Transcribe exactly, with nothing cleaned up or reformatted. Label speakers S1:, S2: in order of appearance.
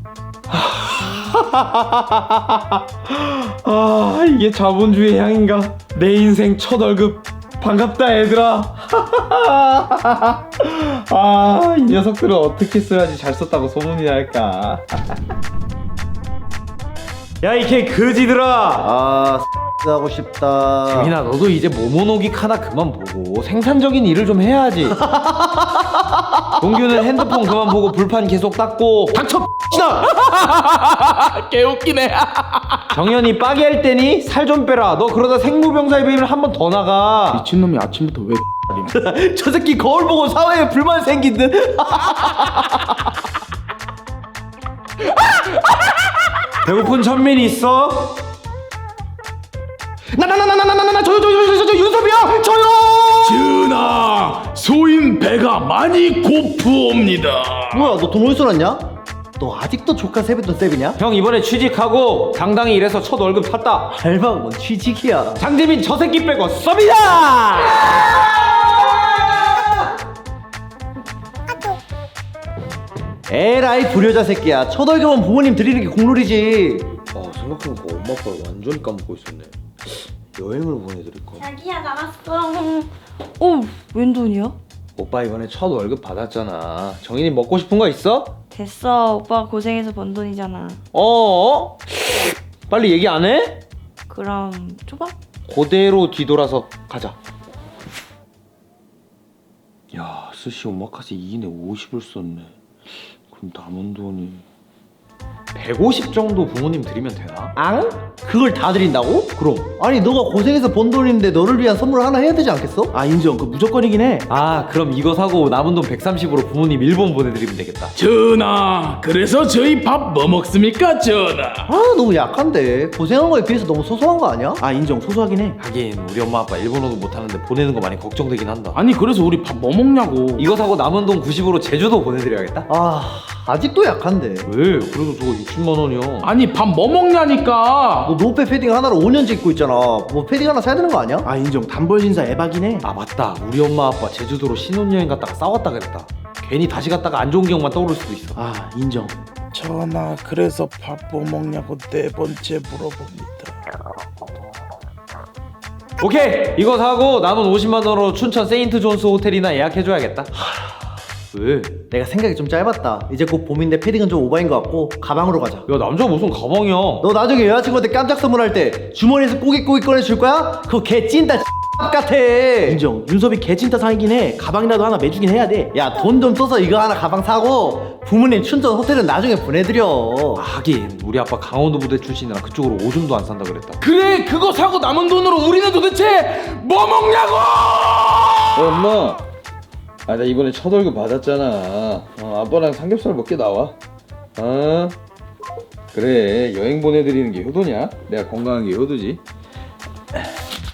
S1: 아, 이게 자본주의 향인가? 내 인생 첫 월급 반갑다 얘들아. 아, 이 녀석들은 어떻게 써야지 잘 썼다고 소문이 날까? 야, 이 개 거지들아.
S2: 아 하고 싶다.
S1: 재민아, 너도 이제 모모노기 카나 그만 보고 생산적인 일을 좀 해야지. 동규는 핸드폰 그만 보고 불판 계속 닦고. 닥쳐 나 개웃기네. 정현이 빠개 할 때니 살 좀 빼라. 너 그러다 생무병사 입으면 한 번 더 나가.
S3: 미친놈이 아침부터 왜
S1: 저 새끼 거울 보고 사회에 불만 생긴 듯. 배고픈 천민이 있어?
S3: 나나나나나나나 저요 저요 저요 저요 윤섭이요 저요. 전하, 소인 배가 많이 고프옵니다.
S2: 뭐야 너 돈 어디서 났냐? 너 아직도 조카 세뱃돈 셉이냐?
S1: 형 이번에 취직하고 당당히 일해서 첫 월급 탔다.
S2: 알바가 뭔 취직이야.
S1: 장재민 저 새끼 빼고 썹이다.
S2: 에라이 불효자 새끼야. 첫 월급은 부모님 드리는 게 국룰이지.
S1: 아, 생각해보니까 엄마 아빠를 완전히 까먹고 있었네. 여행을 보내드릴까?
S4: 자기야 나갔어. 어, 웬 돈이야?
S1: 오빠 이번에 첫 월급 받았잖아. 정인이 먹고 싶은 거 있어?
S4: 됐어. 오빠가 고생해서 번 돈이잖아.
S1: 어? 빨리 얘기 안 해?
S4: 그럼 초밥?
S1: 그대로 뒤돌아서 가자. 야, 스시 오마카세 이 인에 오십을 썼네. 그럼 남은 돈이 백오십 정도 부모님 드리면 되나?
S2: 앙? 그걸 다 드린다고? 그럼 아니 너가 고생해서 번 돈인데 너를 위한 선물 하나 해야 되지 않겠어?
S3: 아 인정, 그 무조건이긴 해.
S1: 아, 그럼 이거 사고 남은 돈 백삼십으로 부모님 일본 보내드리면 되겠다.
S3: 전하, 그래서 저희 밥 뭐 먹습니까 전하?
S2: 아 너무 약한데 고생한 거에 비해서 너무 소소한 거 아니야?
S3: 아 인정, 소소하긴 해.
S1: 하긴 우리 엄마 아빠 일본어도 못하는데 보내는 거 많이 걱정되긴 한다.
S3: 아니 그래서 우리 밥 뭐 먹냐고.
S1: 이거 사고 남은 돈 구십으로 제주도 보내드려야겠다.
S2: 아 아직도 약한데.
S1: 왜? 그래도 저거 육십만 원이야.
S3: 아니 밥 뭐 먹냐니까.
S2: 너 노페 패딩 하나로 오 년째 입고 있잖아. 뭐 패딩 하나 사야 되는 거 아니야?
S3: 아 인정, 단벌 신사 에바긴 해.
S1: 아, 맞다. 우리 엄마 아빠 제주도로 신혼여행 갔다가 싸웠다 그랬다. 괜히 다시 갔다가 안 좋은 기억만 떠오를 수도 있어.
S3: 아 인정.
S5: 전하, 그래서 밥 뭐 먹냐고 네 번째 물어봅니다.
S1: 오케이! 이거 사고 남은 오십만 원으로 춘천 세인트 존스 호텔이나 예약해줘야겠다. 왜?
S2: 내가 생각이 좀 짧았다. 이제 곧 봄인데 패딩은 좀 오바인 것 같고 가방으로 가자.
S1: 야, 남자가 무슨 가방이야.
S2: 너 나중에 여자친구한테 깜짝 선물할 때 주머니에서 꼬깃꼬깃 꺼내줄 거야? 그거 개 찐따 같아.
S3: 인정, 윤섭이 개찐따 상이긴 해. 가방이라도 하나 매주긴 해야 돼.
S2: 야 돈 좀 써서 이거 하나 가방 사고 부모님 춘천 호텔은 나중에 보내드려.
S1: 아, 하긴 우리 아빠 강원도 부대 출신이라 그쪽으로 오줌도 안 산다 그랬다.
S3: 그래, 그거 사고 남은 돈으로 우리는 도대체 뭐 먹냐고!
S6: 어, 엄마. 아, 나 이번에 첫 월급 받았잖아. 어, 아빠랑 삼겹살 먹게 나와. 어? 그래, 여행 보내드리는 게 효도냐? 내가 건강한 게 효도지.